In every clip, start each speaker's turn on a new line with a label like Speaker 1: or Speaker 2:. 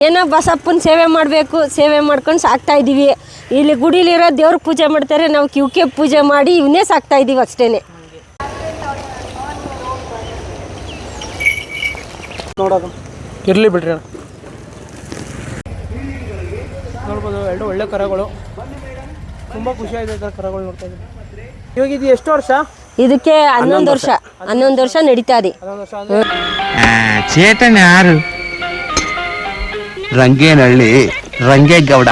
Speaker 1: ಏನೋ ಬಸಪ್ಪನ ಸೇವೆ ಮಾಡಬೇಕು, ಸೇವೆ ಮಾಡ್ಕೊಂಡು ಸಾಕ್ತಾ ಇದ್ದೀವಿ. ಇಲ್ಲಿ ಗುಡಿಲಿರೋ ದೇವ್ರ ಪೂಜೆ ಮಾಡ್ತಾರೆ, ನಾವು ಕಿವ್ಕೆ ಪೂಜೆ ಮಾಡಿ ಇವನ್ನೇ ಸಾಕ್ತಾ ಇದ್ದೀವಿ ಅಷ್ಟೇ.
Speaker 2: ನೋಡೋದು ಇರಲಿ ಬಿಡ್ರಿ ಅಣ್ಣ. ನೋಡ್ಬೋದು ಎರಡು ಒಳ್ಳೆ ಕರಗಳು, ತುಂಬ ಖುಷಿ ಆಗಿದೆ ಕರಗಳು ನೋಡ್ತಾ ಇದ್ದೀವಿ. ಇವಾಗ ಇದು ಎಷ್ಟು ವರ್ಷ?
Speaker 1: ಇದಕ್ಕೆ 11 ವರ್ಷ ನಡೀತಾ ಇದೆ.
Speaker 2: 11 ವರ್ಷ
Speaker 3: ಚೇತನ ಯಾರು? ರಂಗೇನಹಳ್ಳಿ ರಂಗೇಗೌಡ.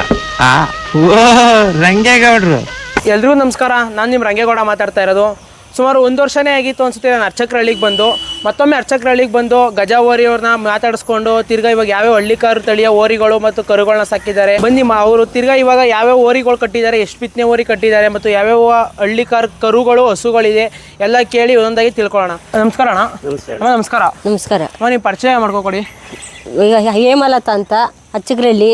Speaker 3: ರಂಗೇಗೌಡರು.
Speaker 2: ಎಲ್ರಿಗೂ ನಮಸ್ಕಾರ. ನಾನು ನಿಮ್ಮ ರಂಗೇಗೌಡ ಮಾತಾಡ್ತಾ ಇರೋದು. ಸುಮಾರು 1 ವರ್ಷನೇ ಆಗಿತ್ತು ಅನಿಸುತ್ತೆ ನಾನು ಅರ್ಚಕರಹಳ್ಳಿಗೆ ಬಂದು. ಮತ್ತೊಮ್ಮೆ ಅರ್ಚಕರಹಳ್ಳಿಗೆ ಬಂದು ಗಜ ಓರಿಯವ್ರನ್ನ ಮಾತಾಡಿಸ್ಕೊಂಡು ತಿರ್ಗಾ ಇವಾಗ ಯಾವ್ಯಾವ ಹಳ್ಳಿಕಾರು ತಳಿಯ ಓರಿಗಳು ಮತ್ತು ಕರುಗಳನ್ನ ಸಾಕಿದ್ದಾರೆ ಬನ್ನಿ. ಅವರು ತಿರ್ಗಾ ಇವಾಗ ಯಾವ್ಯಾವ ಓರಿಗಳು ಕಟ್ಟಿದ್ದಾರೆ, ಎಷ್ಟು ಬಿತ್ತನೆ ಓರಿ ಕಟ್ಟಿದ್ದಾರೆ ಮತ್ತು ಯಾವ್ಯಾವ ಹಳ್ಳಿಕಾರು ಕರುಗಳು ಹಸುಗಳಿದೆ ಎಲ್ಲ ಕೇಳಿ ಒಂದೊಂದಾಗಿ ತಿಳ್ಕೊಳ್ಳೋಣ. ನಮಸ್ಕಾರ ಅಣ್ಣ. ನಮಸ್ಕಾರ.
Speaker 1: ನಮಸ್ಕಾರ.
Speaker 2: ನೀವು ಪರಿಚಯ ಮಾಡ್ಕೊಡಿ.
Speaker 1: ಈಗ ಹೇಮಲತಾ ಅಂತ, ಅರ್ಚಕರಹಳ್ಳಿ,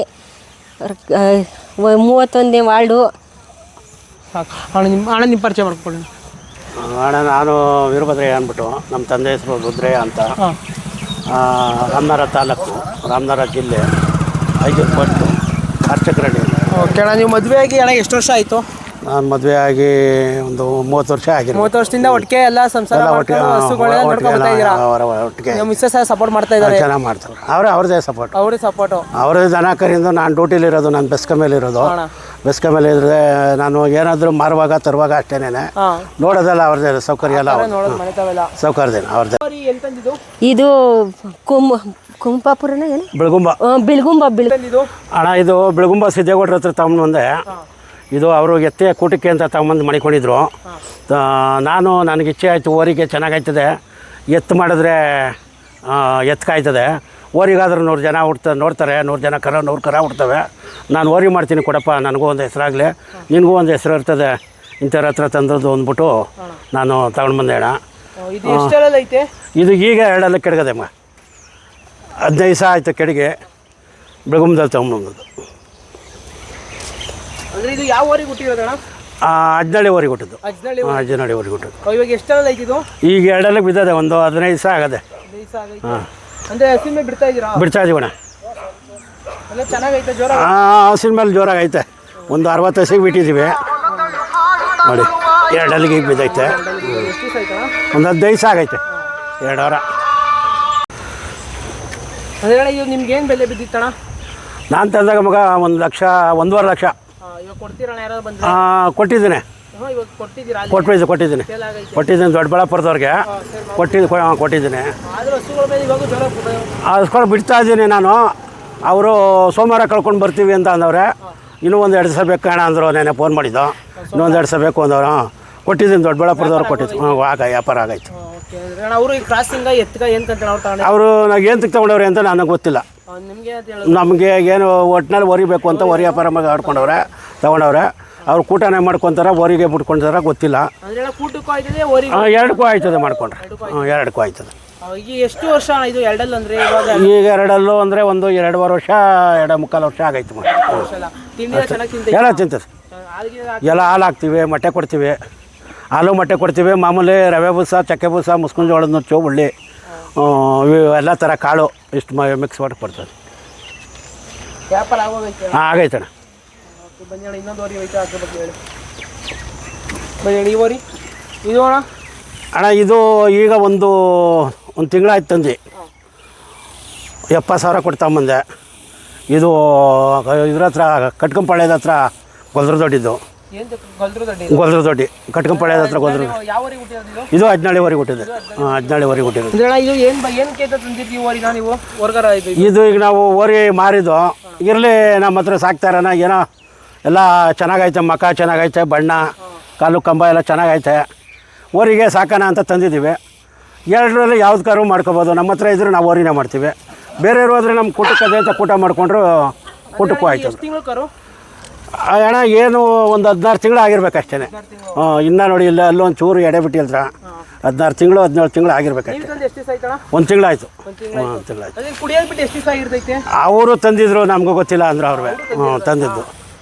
Speaker 1: 31ನೇ ವಾರ್ಡು.
Speaker 2: ಸಾಕು ಅಣ್ಣ ನಿಮ್ಮ ಪರಿಚಯ ಮಾಡ್ಕೊಳ್ಳಿ.
Speaker 4: ಅಣ್ಣ ನಾನು ವೀರಭದ್ರಯ್ಯ ಅಂದ್ಬಿಟ್ಟು, ನಮ್ಮ ತಂದೆ ಹೆಸರು ರುದ್ರಯ್ಯ ಅಂತ. ರಾಮನಗರ ತಾಲೂಕು, ರಾಮನಗರ ಜಿಲ್ಲೆ, 5 ಪೋಸ್ಟು, ಅರ್ಚಕರಹಳ್ಳಿ.
Speaker 2: ಓಕೆ ಅಣ್ಣ, ನೀವು ಮದುವೆ ಆಗಿ ಅಣ್ಣ ಎಷ್ಟು ವರ್ಷ ಆಯಿತು?
Speaker 4: ನಾನು ಮದುವೆ ಆಗಿ ಒಂದು 30 ವರ್ಷ ಆಗಿದೆ.
Speaker 2: 30 ವರ್ಷದಿಂದ ಒಟ್ಟಿಗೆ ಎಲ್ಲ ಸಂಸಾರ ಒಟ್ಟಿಗೆ ಮಿಸ್ಸಸ್ ಸಪೋರ್ಟ್ ಮಾಡ್ತಾ ಇದ್ದಾರೆ.
Speaker 4: ಚೆನ್ನಾಗಿ ಮಾಡ್ತಾರೆ. ಅವ್ರದ್ದೇ ಸಪೋರ್ಟ್.
Speaker 2: ಅವ್ರಿಗೆ ಸಪೋರ್ಟು.
Speaker 4: ಅವ್ರದ್ದು ದನ ಕರಿಂದ ನಾನು ಡ್ಯೂಟಿಲಿರೋದು, ನಾನು ಬೆಸ್ಕ ಮೇಲೆ ಇರೋದು. ಬೆಸ್ಕ ಮೇಲೆ ಇದ್ರೆ ನಾನು ಏನಾದರೂ ಮಾರುವಾಗ ತರುವಾಗ ಅಷ್ಟೇನೆ ನೋಡೋದಲ್ಲ ಅವ್ರದ್ದೇ ಸೌಕರ್ಯ ಎಲ್ಲ ಸೌಕರ್ಯದೇನು ಅವ್ರದ್ದೇ.
Speaker 1: ಇದು ಕುಂಪಾಪುರನ ಏನು?
Speaker 4: ಬೆಳಗುಂಬ. ಅಣ್ಣ ಇದು ಬೆಳಗುಂಬ ಸಿದ್ದೇಗೌಡ್ರ ಹತ್ರ ತಗೊಂಡು ಬಂದೆ. ಇದು ಅವರು ಎತ್ತೆ ಕೂಟಕ್ಕೆ ಅಂತ ತಗೊಂಬಂದು ಮಣಿಕೊಂಡಿದ್ರು. ನನಗೆ ಇಚ್ಛೆ ಆಯಿತು, ಓರಿಗೆ ಚೆನ್ನಾಗಾಯ್ತದೆ, ಎತ್ತು ಮಾಡಿದ್ರೆ ಎತ್ಕಾಯ್ತದೆ, ಓರಿಗಾದ್ರೆ 100 ಜನ ನೋಡ್ತಾರೆ, 100 ಜನ 100 ಕರ ಹುಡ್ತವೆ. ನಾನು ಓರಿ ಮಾಡ್ತೀನಿ ಕೊಡಪ್ಪ, ನನಗೂ ಒಂದು ಹೆಸರಾಗಲಿ, ನಿನಗೂ ಒಂದು ಹೆಸರು ಇರ್ತದೆ, ಇಂಥವ್ರ ಹತ್ರ ತಂದದ್ದು ಅಂದ್ಬಿಟ್ಟು ನಾನು ತಗೊಂಡು ಬಂದೆ ಅಣ್ಣ. ಇದು ಈಗ 2 ಕೆಡಗದೆ ಅಮ್ಮ, 15 ದಿವಸ ಆಯಿತು ಕೆಡಿಗೆ. ಬೆಳಗುಂಬದಲ್ಲಿ ತಗೊಂಬಂದದ್ದು. ಅಜ್ನಳ್ಳಿ ಓರಿಗೆ ಹುಟ್ಟಿದ್ದು. ಅಜ್ನಳ್ಳಿ ಓರಿಗೆ ಹುಟ್ಟಿದ್ದು. ಈಗ 2 ಬಿದ್ದದೆ, ಒಂದು 15 ದಿವಸ ಆಗದೆ. ಬಿಡ್ತಾ ಇದೀವಣ್ಣ. ಹಸಿನ ಮೇಲೆ ಜೋರಾಗೈತೆ. ಒಂದು 60 ಹಸಿಗೆ ಬಿಟ್ಟಿದ್ದೀವಿ ನೋಡಿ. 2 ಈಗ ಬಿದ್ದೈತೆ. ಒಂದು 15 ದಿವಸ ಆಗೈತೆ, 2 ವಾರ.
Speaker 2: ನಿಮ್ಗೇನು ಬೆಲೆ ಬಿದ್ದಿತ್ತಣ್ಣ?
Speaker 4: ನಾನು ತಂದಾಗ ಮಗ 1 ಲಕ್ಷ, 1.5 ಲಕ್ಷ ಕೊಟ್ಟಿದ್ದೀನಿ. ಕೊಟ್ಟಿದ್ದೀನಿ ದೊಡ್ಡಬಳ್ಳಾಪುರದವ್ರಿಗೆ ಕೊಟ್ಟಿದ್ದೀನಿ. ಅದಕ್ಕೋಸ್ಕರ ಬಿಡ್ತಾ ಇದ್ದೀನಿ ನಾನು. ಅವರು ಸೋಮವಾರ ಕಳ್ಕೊಂಡು ಬರ್ತೀವಿ ಅಂತ ಅಂದವ್ರೆ. ಇನ್ನೂ ಒಂದು 2 ದಿವಸ ಬೇಕು ಕಾಣ ಅಂದರು. ನೆನೆ ಫೋನ್ ಮಾಡಿದ್ದು, ಇನ್ನೊಂದು 2 ದಿವಸ ಬೇಕು ಅಂದವರು. ಕೊಟ್ಟಿದ್ದೀನಿ, ದೊಡ್ಡಬಳ್ಳಾಪುರದವ್ರು ಕೊಟ್ಟಿದ್ದು. ವ್ಯಾಪಾರ ಆಗೈತೆ. ಅವರು ನಾವು ಏನು ತಗೊಂಡವ್ರೆ ಅಂತ ನನಗೆ ಗೊತ್ತಿಲ್ಲ. ನಮಗೆ ಏನು ಒಟ್ಟಿನಲ್ಲಿ ಒರಿಬೇಕು ಅಂತ ಒರಿ ವ್ಯಾಪಾರ ಆಡ್ಕೊಂಡವ್ರೆ, ತಗೊಂಡವ್ರೆ. ಅವ್ರು ಕೂಟನೇ ಮಾಡ್ಕೊತಾರೆ, ಓರಿಗೆ ಬಿಟ್ಕೊಂತಾರೆ, ಗೊತ್ತಿಲ್ಲ. 2ಕ್ಕೂ ಆಯ್ತದೆ ಮಾಡ್ಕೊಂಡ್ರೆ. 2ಕ್ಕೂ ಆಯ್ತದೆ.
Speaker 2: ಎಷ್ಟು ವರ್ಷ ಇದು ಎರಡಲ್ಲು ಅಂದರೆ?
Speaker 4: ಈಗ 2 ಅಂದರೆ ಒಂದು 2.5 ವರ್ಷ, 2.25 ವರ್ಷ ಆಗೈತೆ. ಎಲ್ಲ ತಿಂತದೆ. ಎಲ್ಲ ಹಾಲು ಹಾಕ್ತೀವಿ, ಮೊಟ್ಟೆ ಕೊಡ್ತೀವಿ. ಹಾಲು ಮೊಟ್ಟೆ ಕೊಡ್ತೀವಿ. ಮಾಮೂಲಿ ರವೆ ಬೂಸ, ಚಕ್ಕೆ ಬೂಸ, ಮುಸ್ಕಿನ ಜೋಳದ ನುಚ್ಚು, ಉಳ್ಳಿ, ಎಲ್ಲ ಥರ ಕಾಳು ಇಷ್ಟು ಮಿಕ್ಸ್ ಮಾಡಿ ಕೊಡ್ತದೆ. ಆಗೈತಣ್ಣ. ಅಣ್ಣ ಇದು ಈಗ ಒಂದು ತಿಂಗಳಾಯ್ತು ತಂದು 70,000 ಕೊಟ್ಟು ತಗೊಂಬಂದೆ. ಇದು ಇದ್ರ ಹತ್ರ ಕಟ್ಕಂಪಾಳ್ಯದ ಹತ್ರ ಗೊಲ್ದ್ರ ದೊಡ್ಡಿದ್ದು. ಗೊಲ್ದ್ರ ದೊಡ್ಡಿ ಕಟ್ಕಂಪಾಳ್ಯದ ಹತ್ರ ಗೊಲ್ದ್ರ. ಇದು 17 ವರೆಗೆ ಹುಟ್ಟಿದೆ. 17 ವರೆಗೆ ಹುಟ್ಟಿದೆ. ಇದು ಈಗ ನಾವು ಓರಿ ಮಾರಿದ್ದು. ಇರಲಿ, ನಮ್ಮ ಹತ್ರ ಸಾಕ್ತಾರನ ಏನೋ ಎಲ್ಲ ಚೆನ್ನಾಗೈತೆ, ಮಕ ಚೆನ್ನಾಗೈತೆ, ಬಣ್ಣ, ಕಾಲು ಕಂಬ ಎಲ್ಲ ಚೆನ್ನಾಗೈತೆ. ಓರಿಗೆ ಸಾಕೋಣ ಅಂತ ತಂದಿದ್ದೀವಿ. 2ರಲ್ಲಿ ಯಾವ್ದು ಕಾರು ಮಾಡ್ಕೊಬೋದು. ನಮ್ಮ ಹತ್ರ ಇದ್ರೆ ನಾವು ಓರಿನೇ ಮಾಡ್ತೀವಿ. ಬೇರೆಯವರು ಹೋದರೆ ನಮ್ಮ ಕೂಟಕ್ಕೆ ಅದೇ ಅಂತ ಕೂಟ ಮಾಡಿಕೊಂಡ್ರು ಕೂಟಕ್ಕೂ ಆಯ್ತದೆ. ಅಣ್ಣ ಏನು ಒಂದು 16 ತಿಂಗಳು ಆಗಿರ್ಬೇಕು ಅಷ್ಟೇ. ಇನ್ನೂ ನೋಡಿ, ಇಲ್ಲ ಅಲ್ಲೊಂದು ಚೂರು ಎಡೆ ಬಿಟ್ಟಿಲ್ದ್ರ. 16 ತಿಂಗಳು 17 ತಿಂಗಳು ಆಗಿರ್ಬೇಕಷ್ಟೇ. 1 ತಿಂಗಳಾಯ್ತು. 1 ತಿಂಗಳಾಯ್ತು. ಅವರು ತಂದಿದ್ರು, ನಮಗೂ ಗೊತ್ತಿಲ್ಲ ಅಂದ್ರೆ ಅವ್ರವೇ ತಂದಿದ್ದು.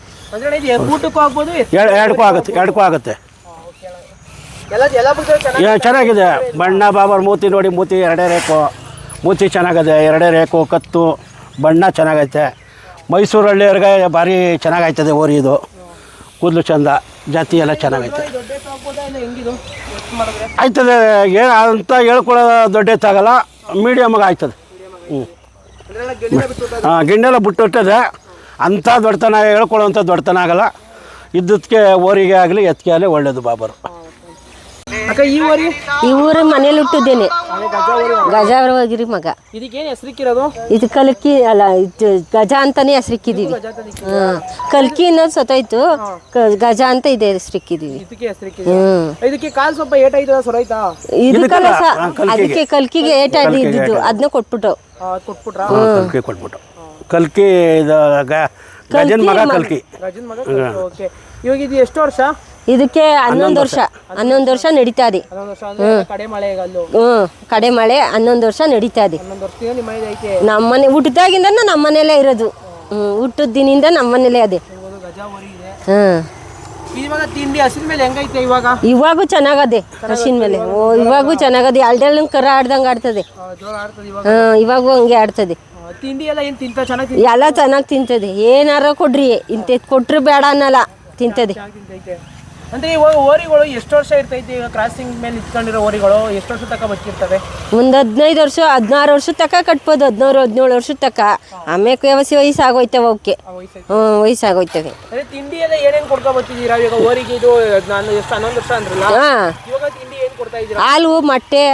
Speaker 4: 2ಕ್ಕೂ ಆಗುತ್ತೆ. ಚೆನ್ನಾಗಿದೆ. ಬಣ್ಣ ಬಾಬರ್ ಮೂತಿ ನೋಡಿ, ಮೂತಿ 2 ರೇಖು, ಮೂತಿ ಚೆನ್ನಾಗಿದೆ. 2 ರೇಖು, ಕತ್ತು, ಬಣ್ಣ ಚೆನ್ನಾಗೈತೆ. ಮೈಸೂರು ಹಳ್ಳಿಯವ್ರಿಗೆ ಭಾರಿ ಚೆನ್ನಾಗೈತದೆ ಓರಿ ಇದು. ಕೂದಲು ಚಂದ, ಜಾತಿ ಎಲ್ಲ ಚೆನ್ನಾಗೈತೆ. ಆಯ್ತದೆ, ಏನು ಅಂತ ಹೇಳ್ಕೊಳ್ಳೋ ದೊಡ್ಡ ಎತ್ತಾಗಲ್ಲ, ಮೀಡಿಯಮ್ಗೆ ಆಯ್ತದೆ. ಹಾಂ, ಗಿಣ್ಣೆಲ್ಲ ಬಿಟ್ಟುಟ್ಟದೆ. ಅಂಥ ದೊಡ್ಡತನ ಹೇಳ್ಕೊಳ್ಳೋವಂಥ ದೊಡ್ಡತನ ಆಗಲ್ಲ. ಇದ್ದಕ್ಕೆ ಓರಿಗೆ ಆಗಲಿ ಎತ್ತಿಗೆ ಆಗಲಿ ಒಳ್ಳೇದು ಬಾಬರು.
Speaker 2: ಅಕ್ಕ ಈ ಓರಿ
Speaker 1: ಈ ಊರು ಮನೇಲಿ ಹುಟ್ಟಿದ್ದೇನೆ, ಗಜಾವರವಾಗಿರಿ ಮಗ.
Speaker 2: ಇದಕ್ಕೇನು ಹೆಸರಿಕ್ಕಿರೋದು?
Speaker 1: ಇದು ಕಲ್ಕಿ ಅಲ್ಲ, ಇದು ಗಜ ಅಂತಾನೆ ಹೆಸರಿಕ್ಕಿದೀವಿ. ಹಾಂ, ಕಲ್ಕಿ ಅನ್ನೋದು ಸತ್ತೋಯ್ತು, ಗಜ ಅಂತ ಇದೆ ಹೆಸರಿಕ್ಕಿದೀವಿ.
Speaker 2: ಇದಕ್ಕೆ ಹೆಸರಿಕ್ಕಿದೆ. ಇದಕ್ಕೆ ಕಾಲು ಸ್ವಲ್ಪ ಏಟಾಯ್ತದ ಸೊರೈತಾ?
Speaker 1: ಇದಕ್ಕಲ್ಲ ಅದಕ್ಕೆ ಕಲ್ಕಿಗೆ ಏಟಾಯ್ತು ಇದ್ದಿದ್ದು, ಅದನ್ನ ಕೊಟ್ಬಿಟ್ಟು
Speaker 2: ಕೊಟ್ಬಿಟ್ರಾ?
Speaker 4: ಕಲ್ಕಿ ಕೊಟ್ಬಿಟ್ಟು. ಕಲ್ಕಿ ಇದು ಗಜನ ಮಗ ಕಲ್ಕಿ.
Speaker 2: ಗಜನ್ ಮಗ. ಓಕೆ. ಇವಾಗ ಇದು ಎಷ್ಟು ವರ್ಷ?
Speaker 1: ಇದಕ್ಕೆ 11 ವರ್ಷ ನಡೀತಾ ಇದೆ.
Speaker 2: 11 ವರ್ಷ ಅಂದ್ರೆ ಕಡೆ ಮಳೆಗಲ್ಲು.
Speaker 1: ಕಡೆ ಮಳೆ 11 ವರ್ಷ ನಡೀತಾ ಇದೆ.
Speaker 2: 11 ವರ್ಷದಿಂದ ನಿಮ್ಮ ಮನೇಲಿ ಐತೆ?
Speaker 1: ನಮ್ಮನೆ ಹುಟ್ಟಿದಾಗಿಂದ ನಮ್ಮ ಮನೇಲೇ ಇರೋದು. ಹುಟ್ಟಿದ ದಿನಿಂದ ನಮ್ಮ ಮನೇಲೇ ಅದೇ.
Speaker 2: ಗಜ ಓರಿ ಇದೆ. ಇವಾಗ ತಿಂಡಿ ಹಸಿದ ಮೇಲೆ ಹೆಂಗೈತೆ ಇವಾಗ?
Speaker 1: ಇವಾಗೂ ಚೆನ್ನಾಗದೆ ಹಸಿನ ಮೇಲೆ. ಇವಾಗೂ ಚೆನ್ನಾಗದೆ. ಅಲ್ಡೆಲ್ಲ ಕರ ಆಡ್ದಂಗೆ ಆಡ್ತದೆ.
Speaker 2: ಜೋರ ಆಡ್ತದೆ ಇವಾಗ?
Speaker 1: ಇವಾಗೂ ಹಂಗೆ ಆಡ್ತದೆ.
Speaker 2: ತಿಂಡಿ ಎಲ್ಲ ಏನು ತಿಂತ ಚೆನ್ನಾಗಿ
Speaker 1: ಎಲ್ಲ ಚೆನ್ನಾಗಿ ತಿಂತದೆ. ಏನಾರ ಕೊಡ್ರಿ, ಇಂಥದ್ದು ಕೊಟ್ರು ಬೇಡ ಅನ್ನಲ್ಲ, ತಿಂತದೆ.
Speaker 2: ತಿಂತೈತೆ. ಅಂದ್ರೆ ಇವಾಗ ಓರಿಗಳು ಎಷ್ಟು ವರ್ಷ ಇರ್ತೈತೆ? ಈಗ ಕ್ರಾಸಿಂಗ್ ಮೇಲೆ ಇಟ್ಕೊಂಡಿರೋ ಓರಿಗಳು ಎಷ್ಟು ವರ್ಷ ತನಕ ಬದುಕಿರ್ತವೆ?
Speaker 1: ಒಂದು 15 ವರ್ಷ 16 ವರ್ಷದ ತನಕ ಕಟ್ಬೋದು. 16-17 ವರ್ಷದ ತನಕ. ಆಮೇಲೆ ವಯಸ್ಸಾಗೋಯ್ತವೆ ಅವಕ್ಕೆ. ವಯಸ್ಸಾಗೋಯ್ತವೆ.
Speaker 2: ಅದೇ ತಿಂಡಿ ಎಲ್ಲ ಏನೇನು ಕೊಡ್ಕೊ ಬರ್ತಿದ್ದೀರಾ ಇವಾಗ ಓರಿಗೆ? ಇದು ನಾನು ಎಷ್ಟು 11 ವರ್ಷ ಅಂದ್ರಲ್ಲ, ಇವಾಗ ತಿಂಡಿ ಏನು ಕೊಡ್ತಾ ಇದ್ದೀರಾ?
Speaker 1: ಹಾಲು, ಮೊಟ್ಟೆ,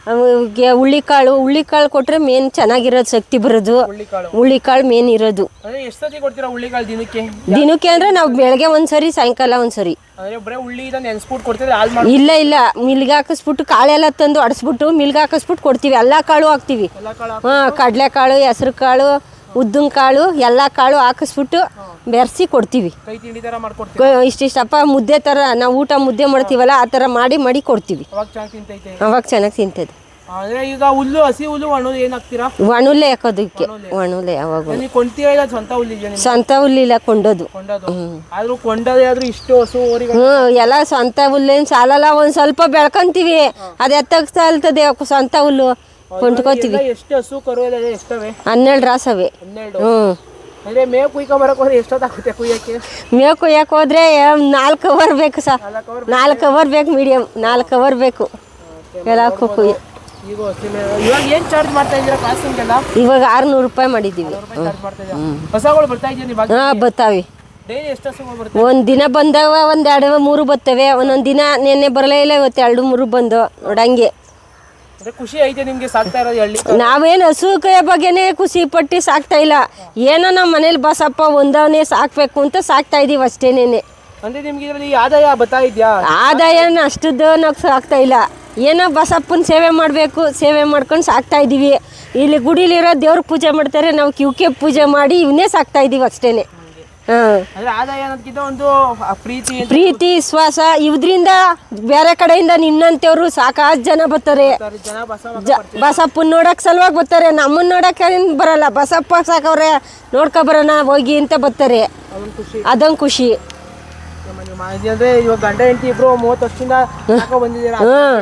Speaker 1: ಹುಳ್ಳಿಕಾಳು ಕೊಟ್ರೆ ಮೇನ್ ಚೆನ್ನಾಗಿರೋದು, ಶಕ್ತಿ ಬರೋದು. ಹುಳ್ಳಿಕಾಳು ಮೇನ್ ಇರೋದು.
Speaker 2: ಅಂದ್ರೆ ಎಷ್ಟು ಸತಿ ಕೊಡ್ತೀರಾ ಹುಳ್ಳಿಕಾಳು
Speaker 1: ದಿನಕ್ಕೆ ಅಂದ್ರೆ ನಾವು ಬೆಳಗ್ಗೆ ಒಂದ್ಸರಿ, ಸಾಯಂಕಾಲ ಒಂದ್ಸರಿ.
Speaker 2: ಅಂದ್ರೆ ಬರೀ ಹುಳ್ಳಿ ನೆನ್ಸ್ಬಿಟ್ಟು ಕೊಡ್ತೀರಾ? ಹಾಲು ಮಾಡಿ?
Speaker 1: ಇಲ್ಲ, ಮಿಲ್ಗೆ ಹಾಕಿಸ್ಬಿಟ್ಟು ಕಾಳೆಲ್ಲ ತಂದು ಅಡಿಸ್ಬಿಟ್ಟು ಮಿಲ್ಗೆ ಹಾಕಿಸ್ಬಿಟ್ಟು ಕೊಡ್ತೀವಿ. ಎಲ್ಲ ಕಾಳು ಹಾಕ್ತೀವಿ. ಕಡಲೆಕಾಳು, ಹೆಸರು ಕಾಳು, ಉದ್ದಿನ ಕಾಳು, ಎಲ್ಲ ಕಾಳು ಹಾಕಿಸ್ಬಿಟ್ಟು ಬೆರೆಸಿ ಕೊಡ್ತೀವಿ.
Speaker 2: ಕೈ ತಿಂಡಿ ಥರ ಮಾಡ್ಕೊಡ್ತೀವಿ.
Speaker 1: ಇಷ್ಟಿಷ್ಟಪ್ಪ ಮುದ್ದೆ ಥರ ನಾವು ಮುದ್ದೆ ಮಾಡ್ತೀವಲ್ಲ, ಆ ಥರ ಮಾಡಿ ಕೊಡ್ತೀವಿ.
Speaker 2: ಅವಾಗ ಚೆನ್ನಾಗಿ ತಿಂತೈತೆ?
Speaker 1: ಅವಾಗ ಚೆನ್ನಾಗಿ ತಿಂತದೆ.
Speaker 2: ಅಂದ್ರೆ ಈಗ ಹುಲ್ಲು, ಹಸಿ ಹುಲ್ಲು, ಒಣ ಏನು ಹಾಕ್ತೀರಾ?
Speaker 1: ಒಣುಲೆ ಹಾಕೋದಕ್ಕೆ. ಒಣುಲೆ ಯಾವಾಗ
Speaker 2: ಕೊಂಡ್ತೀರಾ? ಇಲ್ಲ ಸ್ವಂತ ಹುಲ್ಲಿದೆಯಾ?
Speaker 1: ಸ್ವಂತ ಹುಲ್ಲಿಲ್ಲ, ಕೊಂಡೋದು.
Speaker 2: ಆದ್ರೂ ಕೊಂಡೋದೇ ಆದ್ರೂ ಇಷ್ಟು ಹಸು ಓರಿಗಳು?
Speaker 1: ಎಲ್ಲ ಸ್ವಂತ ಹುಲ್ಲೇನು ಸಾಲಲ್ಲ. ಒಂದ್ ಸ್ವಲ್ಪ ಬೆಳ್ಕೊಂತೀವಿ, ಅದು ಎತ್ತಕ್ಕೆ ಸಾಲ್ತದೆ ಸ್ವಂತ ಹುಲ್ಲು. ಕೊಂಡ್ಕೋತೀವಿ.
Speaker 2: ಎಷ್ಟು ಹಸು ಕರು ಎಲ್ಲ ಎಷ್ಟವೆ?
Speaker 1: 12 ರಾಸವೆ.
Speaker 2: 12. ಅಂದ್ರೆ ಮೇವು ಕುಯ್ಕೊ ಬರಕ್ ಹೋದ್ರೆ ಎಷ್ಟೊತ್ತಾಗುತ್ತೆ ಕುಯ್ಯಕ್ಕೆ?
Speaker 1: ಮೇವು ಕುಯ್ಯಕ್ಕೆ ಹೋದ್ರೆ 4 ಅವರ್ ಬೇಕು ಸರ್. 4 ಅವರ್ ಬೇಕು, ಮೀಡಿಯಂ 4 ಅವರ್ ಬೇಕು ಎಲ್ಲ ಕುಯ್ಯ.
Speaker 2: ಈಗ ಇವಾಗ ಏನ್ ಚಾರ್ಜ್ ಮಾಡ್ತಾ ಇದ್ದೀರಾ ಕ್ರಾಸಿಂಗೆಲ್ಲ?
Speaker 1: ಇವಾಗ 600 ರೂಪಾಯಿ ಮಾಡಿದ್ದೀವಿ.
Speaker 2: ಹೊಸಗಳು ಬರ್ತಾ ಇದೆಯಾ?
Speaker 1: ಬರ್ತಾವೆ.
Speaker 2: ಡೈಲಿ ಎಷ್ಟು ಹಸುಗಳು ಬರ್ತವೆ?
Speaker 1: ಒಂದ್ ದಿನ ಬಂದವ, 1, 2, 3 ಬರ್ತವೆ. ಒಂದೊಂದು ದಿನ ನೆನ್ನೆ ಬರಲೇ ಇಲ್ಲ, ಇವತ್ತು 2, 3 ಬಂದು ನೋಡಂಗೆ.
Speaker 2: ಖುಷಿ ಐತೆ ನಿಮ್ಗೆ ಸಾಕ್ತಾ ಇರೋದು ಹಳ್ಳಿ?
Speaker 1: ನಾವೇನು ಹಸು ಬಗ್ಗೆನೇ ಖುಷಿ ಪಟ್ಟು ಸಾಕ್ತಾ ಇಲ್ಲ. ಏನೋ ನಮ್ಮ ಮನೇಲಿ ಬಸಪ್ಪ ಒಂದವನೇ ಸಾಕ್ಬೇಕು ಅಂತ ಸಾಕ್ತಾ ಇದೀವಿ ಅಷ್ಟೇನೇನೆ.
Speaker 2: ಅಂದ್ರೆ ನಿಮ್ಗೆ ಇದರಲ್ಲಿ ಆದಾಯ ಬರ್ತಾ ಇದೆಯಾ?
Speaker 1: ಆದಾಯನ ಅಷ್ಟದ್ದು ನಾವು ಸಾಕ್ತಾ ಇಲ್ಲ. ಏನೋ ಬಸಪ್ಪನ ಸೇವೆ ಮಾಡಬೇಕು, ಸೇವೆ ಮಾಡ್ಕೊಂಡು ಸಾಕ್ತಾ ಇದ್ದೀವಿ. ಇಲ್ಲಿ ಗುಡಿಲಿರೋ ದೇವ್ರ ಪೂಜೆ ಮಾಡ್ತಾರೆ, ನಾವು ಕಿವ್ಕೆ ಪೂಜೆ ಮಾಡಿ ಇವನ್ನೇ ಸಾಕ್ತಾ ಇದ್ದೀವಿ ಅಷ್ಟೇನೆ.
Speaker 2: ಆದಾಯ ಅನ್ನೋದಕ್ಕಿಂತ ಒಂದು
Speaker 1: ಪ್ರೀತಿ ವಿಶ್ವಾಸ. ಇದ್ರಿಂದ ಬೇರೆ ಕಡೆಯಿಂದ ನಿನ್ನಂತವ್ರು ಸಾಕಾಷ್ಟು ಜನ ಬರ್ತಾರೆ. ಬಸಪ್ಪನ ನೋಡಕ್ ಸಲುವಾಗಿ ಬರ್ತಾರೆ. ನಮ್ಮನ್ನ ನೋಡಕ್ ಬರಲ್ಲ, ಬಸಪ್ಪ ಸಾಕವ್ರೆ ನೋಡ್ಕೊ ಬರೋಣ ಹೋಗಿ ಅಂತ ಬರ್ತಾರೆ. ಅದೊಂದು ಖುಷಿ.
Speaker 2: ಅಂದ್ರೆ ಇವಾಗ ಗಂಡ ಹೆಂಡತಿ ಇಬ್ರು 30 ವರ್ಷದಿಂದ ಬಂದಿದ್ದೀರಾ?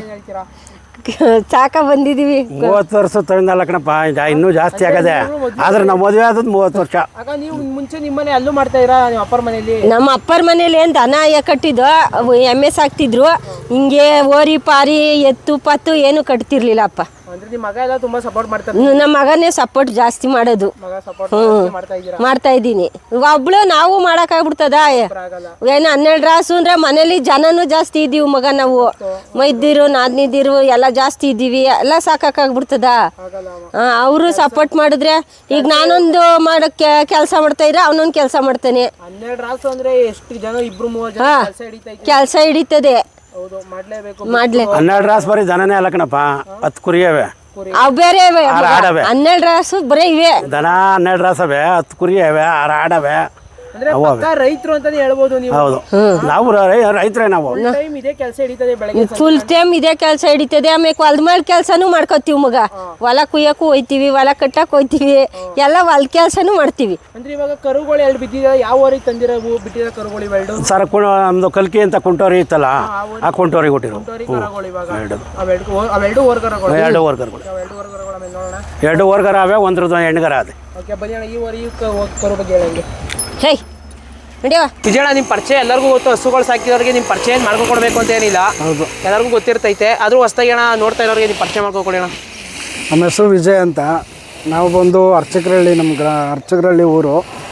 Speaker 1: ಸಾಕ ಬಂದಿದೀವಿ.
Speaker 4: 30 ವರ್ಷ ತಗೊಂಡಲ್ಲ ಕಣಪ್ಪ, ಇನ್ನೂ ಜಾಸ್ತಿ ಆಗದೆ. ಆದ್ರೆ ನಾವು ಮದುವೆ ಆದದ್ದು 30 ವರ್ಷ.
Speaker 2: ಆಗ ನೀವು ಮುಂಚೆ ನಿಮ್ಮನೆ ಅಲ್ಲೂ ಮಾಡ್ತಾ ಇರಾ? ನಿಮ್ಮ ಅಪ್ಪರ ಮನೇಲಿ?
Speaker 1: ನಮ್ಮ ಅಪ್ಪರ ಮನೇಲಿ ಏನು ದನ ಕಟ್ಟಿದ್ದು, ಎಮ್ಮೆ ಸಾಕ್ತಿದ್ರು. ಹಿಂಗೆ ಓರಿ ಪಾರಿ ಎತ್ತು ಪತ್ತು ಏನು ಕಟ್ತಿರ್ಲಿಲ್ಲ ಅಪ್ಪ.
Speaker 2: ಅಂದ್ರೆ ನಿಮ್ಮ ಮಗ ಎಲ್ಲ ತುಂಬಾ ಸಪೋರ್ಟ್ ಮಾಡ್ತಾರೆ?
Speaker 1: ನಮ್ಮ ಮಗನೇ ಸಪೋರ್ಟ್ ಜಾಸ್ತಿ ಮಾಡೋದು. ಮಾಡ್ತಾ ಇದ್ದೀನಿ. ಒಬ್ಳು ನಾವು ಮಾಡೋಕ್ಕಾಗ್ಬಿಡ್ತದ? ಏನು 12 ರಾಸು ಅಂದ್ರೆ ಮನೇಲಿ ಜನನೂ ಜಾಸ್ತಿ ಇದ್ದೀವಿ ಮಗ. ನಾವು ಮೈದಿರು ನಾದ್ನಿದಿರು ಎಲ್ಲ ಜಾಸ್ತಿ ಇದ್ದೀವಿ. ಎಲ್ಲ ಸಾಕಾಗ್ಬಿಡ್ತದ? ಅವರು ಸಪೋರ್ಟ್ ಮಾಡಿದ್ರೆ, ಈಗ ನಾನೊಂದು ಮಾಡೋಕ್ಕೆ ಕೆಲಸ ಮಾಡ್ತಾ ಇದ್ರೆ ಅವನೊಂದು ಕೆಲಸ ಮಾಡ್ತಾನೆ.
Speaker 2: 12 ರಾಸು ಅಂದ್ರೆ ಎಷ್ಟು ಜನ? 2-3 ಜನ
Speaker 1: ಕೆಲಸ ಹಿಡಿತದೆ. ಮಾಡ್ಲೇ
Speaker 4: 12 ರಾಸು ಬರೀ ದನನೇ ಅಲ್ಲ ಕಣಪ್ಪ, 10 ಕುರಿಯವೆ.
Speaker 1: ಅವು ಬೇರೆ 12 ರಾಸು ಬರೀ ಇವೆ.
Speaker 4: ದನ 12 ರಾಸವೆ, 10 ಕುರಿಯವೆ, 6 ಆಡವೆ.
Speaker 2: ಅಂದ್ರೆ ಪಕ್ಕಾ ರೈತರು ಅಂತಾನೆ ಹೇಳ್ಬೋದು ನೀವು.
Speaker 4: ಹೌದು, ನಾವು ರೈತರೇ. ನಾವು
Speaker 2: ಟೈಮ್ ಇದೇ ಕೆಲಸ ಹಿಡಿತದೆ ಬೆಳಗ್ಗೆ
Speaker 1: ಫುಲ್ ಟೈಮ್ ಇದೇ ಕೆಲಸ ಹಿಡಿತದೆ. ಆಮೇಲೆ ಹೊಲ್ದ ಮೇಲೆ ಕೆಲಸನೂ ಮಾಡ್ಕೋತೀವಿ ಮಗ. ಹೊಲ ಕುಯ್ಯಕ್ಕೂ ಹೋಯ್ತೀವಿ, ಹೊಲ ಕಟ್ಟಕ್ಕೆ ಹೋಯ್ತೀವಿ, ಎಲ್ಲ ಹೊಲ್ದ ಕೆಲಸನೂ ಮಾಡ್ತೀವಿ.
Speaker 2: ಅಂದ್ರೆ ಇವಾಗ ಕರುಗಳು ಎರಡು ಬಿದ್ದಿದೆ. ಯಾವ ಊರಿಗೆ ತಂದಿರೋ ಬಿಟ್ಟಿರೋ ಕರುಗಳು ಇವೆರಡು?
Speaker 4: ಸರ್ ನಮ್ದು ಕಲ್ಕಿ ಅಂತ ಕುಂಟೋರಿ ಇತ್ತಲ್ಲ, ಆ ಕುಂಟೋರಿಗೆ ಕೊಟ್ಟಿರೋ
Speaker 2: ಕರುಗಳು ಇವಾಗ ಅವೆರಡು ಓರ್ ಕರುಗಳು.
Speaker 4: ಎರಡು ವರ್ಗರ್ಗಳು,
Speaker 2: ಎರಡು ಓರ್ ಕರುಗಳ ಮೇಲೆ ನೋಡೋಣ.
Speaker 4: ಎರಡು ವರ್ಗರ ಅವೆ, ಒಂದ್ರದ್ದು ಹೆಣ್ಗರ ಅದೇ.
Speaker 2: ಓಕೆ ಬನ್ನಿ ಅಣ್ಣ, ಈ ಓರಿ ಕರು ಬಗ್ಗೆ ಹೇಳಂಗೆ.
Speaker 1: ಹೇ ನಡಿಯವ
Speaker 2: ವಿಜಯಣ್ಣ, ನಿಮ್ಮ ಪರಿಚಯ ಎಲ್ಲರಿಗೂ ಗೊತ್ತು. ಹಸುಗಳು ಸಾಕಿದವ್ರಿಗೆ ನಿಮ್ಮ ಪರಿಚಯ ಏನು ಮಾಡ್ಕೊಡ್ಬೇಕು ಅಂತ ಏನಿಲ್ಲ,
Speaker 4: ಹೌದು,
Speaker 2: ಎಲ್ಲರಿಗೂ ಗೊತ್ತಿರ್ತೈತೆ. ಆದರೂ ಹೊಸ್ದಾಗಿ ಅಣ್ಣ ನೋಡ್ತಾ ಇರೋರಿಗೆ ನಿಮ್ಮ ಪರಿಚಯ ಮಾಡ್ಕೊಡಿ ಅಣ್ಣ.
Speaker 5: ನಮ್ಮ ಹೆಸರು ವಿಜಯ್ ಅಂತ. ನಾವು ಬಂದು ಅರ್ಚಕರಹಳ್ಳಿ, ನಮ್ಮ ಅರ್ಚಕರಹಳ್ಳಿ ಊರು,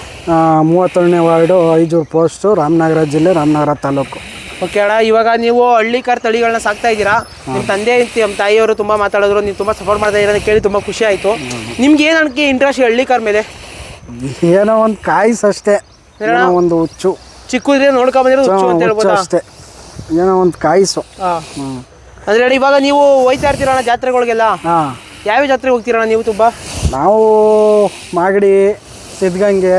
Speaker 5: 31ನೇ ವಾರ್ಡು, ಐಜೂರು ಪೋಸ್ಟು, ರಾಮನಗರ ಜಿಲ್ಲೆ, ರಾಮನಗರ ತಾಲೂಕು.
Speaker 2: ಓಕೆ ಅಣ್ಣ, ಇವಾಗ ನೀವು ಹಳ್ಳಿಕಾರ್ ತಳಿಗಳನ್ನ ಸಾಕ್ತಾ ಇದ್ದೀರಾ. ನಿಮ್ಮ ತಂದೆ ನಮ್ಮ ತಾಯಿಯವರು ತುಂಬ ಮಾತಾಡಿದ್ರು, ನೀವು ತುಂಬ ಸಪೋರ್ಟ್ ಮಾಡ್ತಾ ಇದ್ದೀರಾ ಅಂತ ಕೇಳಿ ತುಂಬ ಖುಷಿ ಆಯಿತು. ನಿಮ್ಗೆ ಏನು ಅನ್ಕೆ ಇಂಟ್ರೆಸ್ಟ್ ಹಳ್ಳಿಕಾರ್ ಮೇಲೆ?
Speaker 5: ಏನೋ ಒಂದು ಕಾಯಿಸ್ ಅಷ್ಟೇ, ಏನೋ ಒಂದು ಹುಚ್ಚು,
Speaker 2: ಚಿಕ್ಕದ್ರೆ ನೋಡ್ಕೊಂಬಂದಿರೋದು ಹುಚ್ಚು ಅಂತ
Speaker 5: ಹುಚ್ಚು
Speaker 2: ಹೇಳ್ಬೋದಾ?
Speaker 5: ಅಷ್ಟೇ, ಏನೋ ಒಂದು ಕಾಯಿಸು.
Speaker 2: ಹಾಂ, ಅಂದರೆ ಅಣ್ಣ ಇವಾಗ ನೀವು ಹೋಯ್ತಾ ಇರ್ತೀರಣ್ಣ ಜಾತ್ರೆಗಳಿಗೆಲ್ಲ?
Speaker 5: ಹಾಂ,
Speaker 2: ಯಾವ್ಯಾವ ಜಾತ್ರೆಗೆ ಹೋಗ್ತೀರಣ್ಣ ನೀವು? ತುಂಬ
Speaker 5: ನಾವು ಮಾಗಡಿ, ಸಿದ್ಧಗಂಗೆ,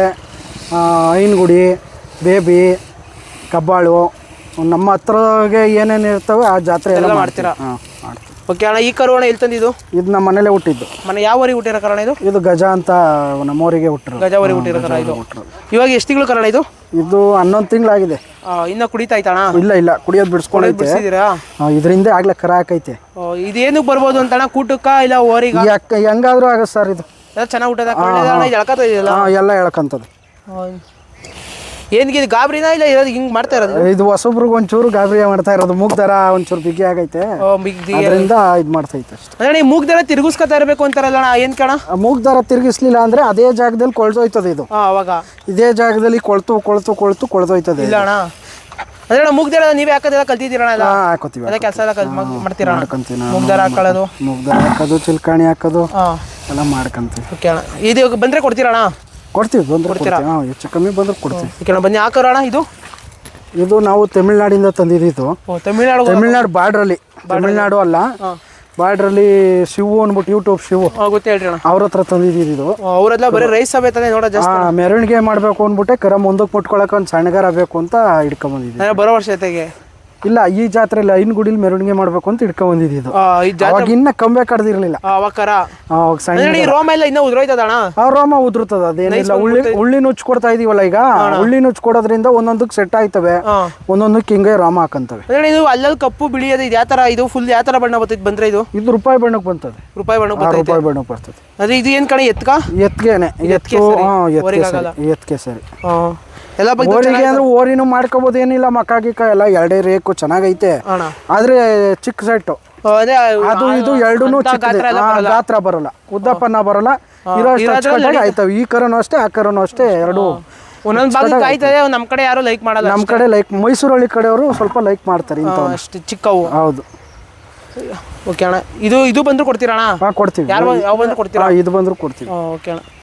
Speaker 5: ಐನಗುಡಿ, ಬೇಬಿ, ಕಬ್ಬಾಳು, ನಮ್ಮ ಹತ್ರಗೆ ಏನೇನು ಇರ್ತವೆ ಆ ಜಾತ್ರೆ ಎಲ್ಲ
Speaker 2: ಮಾಡ್ತೀರಾ?
Speaker 5: ಹಾಂ, ಮಾಡ್ತೀವಿ.
Speaker 2: ಓಕೆ ಅಣ್ಣ, ಈ ಕರು ಅಣ್ಣ ಎಲ್ಲಿ ತಂದಿದ್ದು?
Speaker 5: ಇದು ನಮ್ಮ ಮನೇಲೆ ಹುಟ್ಟಿದ್ದು.
Speaker 2: ಮನೆ ಯಾವ ಊರಿಗೆ ಹುಟ್ಟಿರೋ ಕಾರಣ ಇದು?
Speaker 5: ಇದು ಗಜ ಅಂತ ನಮ್ಮೂರಿಗೆ ಹುಟ್ಟರು.
Speaker 2: ಗಜಾವರಿ ಹುಟ್ಟಿರೋ ಕರ ಇದು. ಇವಾಗ ಎಷ್ಟು ತಿಂಗಳು ಕಾರಣ ಇದು?
Speaker 5: ಇದು 11 ತಿಂಗಳಾಗಿದೆ.
Speaker 2: ಇನ್ನ ಕುಡಿತಾ ಐತಣ್ಣ?
Speaker 5: ಇಲ್ಲ ಕುಡಿಯೋದು ಬಿಡಿಸ್ಕೊಂಡೈತೆ.
Speaker 2: ಬಿಡಿಸಿದ್ದೀರಾ?
Speaker 5: ಇದರಿಂದ ಆಗ್ಲೇ ಕರ ಹಾಕೈತೆ.
Speaker 2: ಇದೇನಕ್ಕೆ ಬರ್ಬೋದು ಅಂತಣ್ಣ? ಕೂಟಕ್ಕ ಇಲ್ಲ ಓರಿಗ?
Speaker 5: ಹೆಂಗಾದ್ರೂ ಆಗತ್ತೆ ಸರ್. ಇದು
Speaker 2: ಎಲ್ಲ ಚೆನ್ನಾಗಿ ಊಟದ ಎಳ್ಕತ್ತ ಇದೆಯಲ್ಲ?
Speaker 5: ಎಲ್ಲ ಹೇಳ್ಕಂತದ್ದು.
Speaker 2: ಏನ್ಗೆ ಇದು ಗಾಬರಿನಾ ಇಲ್ಲ ಇರೋದು ಹಿಂಗೆ ಮಾಡ್ತಾ ಇರೋದು?
Speaker 5: ಇದು ಹೊಸೊಬ್ರಿಗೆ ಒಂಚೂರು ಗಾಬರಿ ಮಾಡ್ತಾ ಇರೋದು. ಮೂಗ್ ದರ ಒಂಚೂರು ಬಿಗಿ ಆಗೈತೆ, ಅದರಿಂದ ಇದು ಮಾಡ್ತೈತೆ ಅಷ್ಟೇ.
Speaker 2: ಅಂದ್ರೆ ಮೂಗ್ ದರ ತಿರುಗಿಸ್ಕೊತಾ ಇರಬೇಕು ಅಂತಾರಲ್ಲ ಅಣ್ಣ, ಏನ್ ಕಣ?
Speaker 5: ಮೂಗ್ ದರ ತಿರುಗಿಸ್ಲಿಲ್ಲ ಅಂದ್ರೆ ಅದೇ ಜಾಗದಲ್ಲಿ ಕೊಳ್ದೋಯ್ತದೆ. ಇದು
Speaker 2: ಅವಾಗ
Speaker 5: ಇದೇ ಜಾಗದಲ್ಲಿ ಕೊಳ್ದೋಯ್ತದೆ.
Speaker 2: ಇಲ್ಲ ಅಣ್ಣ, ಅಂದ್ರೆ ಅಣ್ಣ ಮೂಗ್ ದರ ನೀವೇ ಹಾಕೋದೆಲ್ಲ ಕಲ್ತಿದ್ದೀರಣ? ಎಲ್ಲ
Speaker 5: ಹಾಕೋತೀವಿ,
Speaker 2: ಅದೇ ಕೆಲಸ ಎಲ್ಲ ಮಾಡ್ತೀರಾ?
Speaker 5: ಮಾಡ್ಕೊಂತೀವಿ.
Speaker 2: ಮೂಗ್ ದರ ಹಾಕೊಳ್ಳೋದು,
Speaker 5: ಮೂಗ್ ದರ ಹಾಕೋದು, ಚಿಲ್ಕಾಣಿ ಹಾಕೋದು ಎಲ್ಲ ಮಾಡ್ಕೊಂತೀವಿ.
Speaker 2: ಓಕೆ ಅಣ್ಣ, ಇದು ಬಂದ್ರೆ ಕೊಡ್ತೀರಣ್ಣ?
Speaker 5: ಕೊಡ್ತೀವಿ, ಬಂದ್ರೆ ಹೆಚ್ಚು ಕಮ್ಮಿ ಬಂದ್ರೆ ಕೊಡ್ತೀವಿ.
Speaker 2: ಓಕೆ ಅಣ್ಣ, ಬನ್ನಿ ಹಾಕೋಣ.
Speaker 5: ಇದು ನಾವು ತಮಿಳ್ನಾಡಿಂದ ತಂದಿದ್ದು. ತಮಿಳ್ನಾಡು ಬಾರ್ಡ್ರಲ್ಲಿ, ತಮಿಳ್ನಾಡು ಅಲ್ಲ, ಬಾರ್ಡ್ರಲ್ಲಿ ಶಿವು ಅಂದ್ಬಿಟ್ಟು ಯೂಟ್ಯೂಬ್ ಶಿವು
Speaker 2: ಗೊತ್ತೇ ಹೇಳ್ರಿ ಅಣ್ಣ,
Speaker 5: ಅವ್ರ ಹತ್ರ ತಂದಿದ್ದು.
Speaker 2: ಅವರೆಲ್ಲ ಬರೀ ರೈಸ್ ಸಮೇತನೇ ನೋಡೋ ಜಾಸ್ತಿ.
Speaker 5: ಮೆರವಣಿಗೆ ಮಾಡ್ಬೇಕು ಅಂದ್ಬಿಟ್ಟೆ ಕರ ಮುಂದಕ್ಕೆ ಮುಟ್ಕೊಳಕ್ಕೆ ಒಂದು ಸಣ್ಣಗಾರ ಬೇಕು ಅಂತ ಹಿಡ್ಕೊಂಬಂದಿದ್ವಿ.
Speaker 2: ಬರೋ ವರ್ಷ ಜೊತೆಗೆ
Speaker 5: ಇಲ್ಲ, ಈ ಜಾತ್ರೆಯಲ್ಲಿ ಐನಗುಡಿಲಿ ಮೆರವಣಿಗೆ ಮಾಡ್ಬೇಕು ಅಂತ ಹಿಡ್ಕೊಂಬಂದಿದ್ದು. ಅವಾಗ ಇನ್ನ ಕಂಬೆ ಕಡ್ದಿರ್ಲಿಲ್ಲ.
Speaker 2: ರೋಮ ಎಲ್ಲ ಇನ್ನ ಉದ್ರೋಯ್ತದಣ್ಣ?
Speaker 5: ರೋಮ ಉದುರ್ತದ, ಅದೇನಿಲ್ಲ. ಉಳ್ಳಿ ನುಚ್ಚು ಕೊಡ್ತಾ ಇದೀವಲ್ಲ ಈಗ, ಉಳ್ಳಿ ನುಚ್ಚು ಕೊಡೋದ್ರಿಂದ ಒಂದೊಂದಕ್ಕೆ ಸೆಟ್ ಆಯ್ತವೆ, ಒಂದೊಂದಕ್ಕೆ ಹಿಂಗೆ ರೋಮ ಹಾಕಂತವೆ.
Speaker 2: ಇದು ಅಲ್ಲಲ್ಲಿ ಕಪ್ಪು ಬಿಳಿ ಅದು ಯಾವ ತರ? ಇದು ಫುಲ್ ಯಾವ ತರ ಬಣ್ಣ ಬರ್ತೈತೆ ಬಂದ್ರೆ? ಇದು
Speaker 5: ರೂಪಾಯಿ ಬಣ್ಣಕ್ಕೆ ಬಂತದೆ.
Speaker 2: ರೂಪಾಯಿ ಬಣ್ಣಕ್ಕೆ
Speaker 5: ಬರ್ತದೆ.
Speaker 2: ಅದೇ ಇದು ಏನ್ ಕಣ? ಎತ್ಗೆನೆ?
Speaker 5: ಎತ್ಕೆ ಸರಿ.
Speaker 2: ಎಲ್ಲ
Speaker 5: ಓರಿಗೆ ಅಂದ್ರೆ ಓರಿನೂ ಮಾಡ್ಕೋಬಹುದು, ಏನಿಲ್ಲ. ಮಕ್ಕ ಗಿಕ್ಕ ಎಲ್ಲ ಎರಡೇ ರೇಕು ಚೆನ್ನಾಗೈತೆ. ಆದ್ರೆ ಚಿಕ್ಕ ಸೆಟ್ಟು ಅದು ಇದು ಎರಡೂ ಗಾತ್ರ ಬರಲ್ಲ, ಉದ್ದಪ್ಪನ ಬರಲ್ಲ, ಇರೋ ಆಯ್ತವೆ. ಈ ಕರನು ಅಷ್ಟೇ, ಆ ಕರನು ಅಷ್ಟೇ, ಎರಡು
Speaker 2: ಒಂದೊಂದು ಭಾಗ ಕಾಯ್ತದೆ. ನಮ್ಮ ಕಡೆ ಯಾರು ಲೈಕ್ ಮಾಡಲ್ಲ.
Speaker 5: ನಮ್ಮ ಕಡೆ ಲೈಕ್, ಮೈಸೂರಳ್ಳಿ ಕಡೆಯವರು ಸ್ವಲ್ಪ ಲೈಕ್ ಮಾಡ್ತಾರೆ
Speaker 2: ಅಷ್ಟು ಚಿಕ್ಕವು.
Speaker 5: ಹೌದು.
Speaker 2: ಓಕೆ ಅಣ್ಣ, ಇದು ಬಂದ್ರು ಕೊಡ್ತೀರಾ ಅಣ್ಣ?
Speaker 5: ಕೊಡ್ತೀವಿ.
Speaker 2: ಯಾವ ಬಂದ್ರು ಕೊಡ್ತೀರಾ?
Speaker 5: ಇದು ಬಂದ್ರು ಕೊಡ್ತೀವಿ.
Speaker 2: ಓಕೆ ಅಣ್ಣ.